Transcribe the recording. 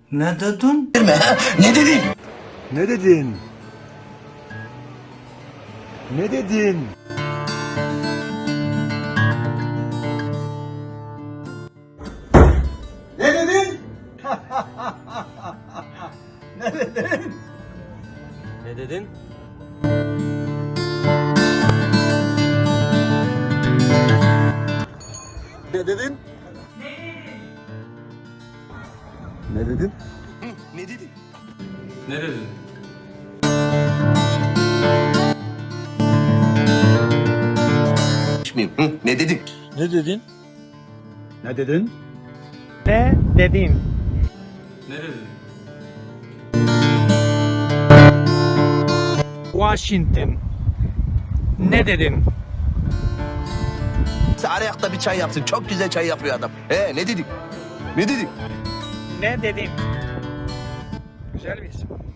Ne dedin? Ne dedin? Ne dedin? Ne dedin? Ne dedin? Ne dedin? Ne dedin? Ne dedin? Ne dedin? Ne dedin? Ne dedin? Ne dedin? Ne dedin? Ne dedin? Ne dedin? Ne dedin? Washington. Ne dedin? Arayakta bir çay yapsın. Çok güzel çay yapıyor adam. Ne dedik? Ne dedik? Ne dedin? Güzel bir isim.